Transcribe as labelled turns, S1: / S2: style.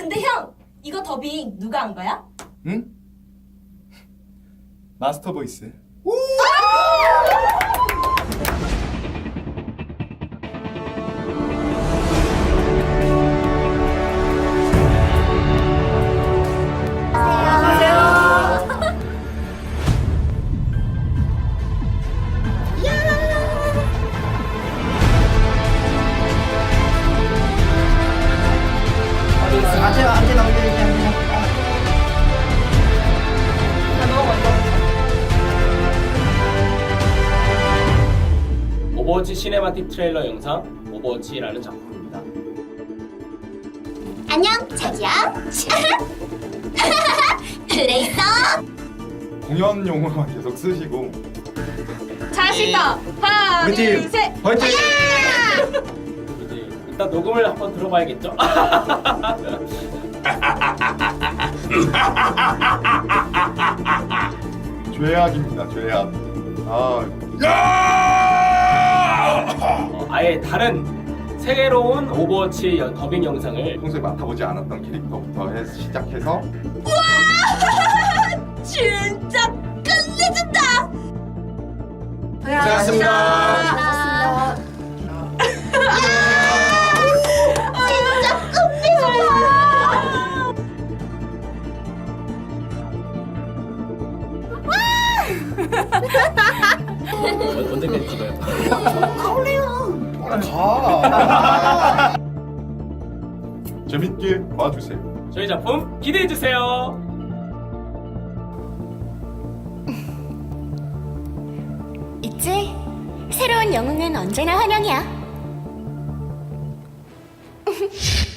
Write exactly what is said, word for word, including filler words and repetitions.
S1: 근데 형, 이거 더빙 누가 한 거야?
S2: 응? 마스터 보이스.
S3: 안돼 안돼 나오게 안돼.
S4: 오버워치 시네마틱 트레일러 영상 오버워치라는 작품입니다.
S5: 안녕, 자기야. 그래 있어.
S2: 공연 용어만 계속 쓰시고.
S1: 잘하시다. 하나,
S2: 우리
S1: 둘,
S2: 팀
S1: 셋.
S2: 화이팅!
S4: 이제 일단 녹음을 한번 들어봐야겠죠?
S2: 죄악입니다. 죄악. 아,
S4: 어, 아예 다른 새로운 오버워치 연- 더빙 영상을
S2: 평소에 맡아보지 않았던 캐릭터부터 해, 시작해서
S1: 진짜 끝내준다.
S2: 고생하셨습니다.
S5: 진짜 끝내준다.
S4: 언- 언제까지 찍어요?
S2: 가. 재밌게 봐주세요.
S4: 저희 작품 기대해 주세요.
S5: 있지? 새로운 영웅은 언제나 환영이야.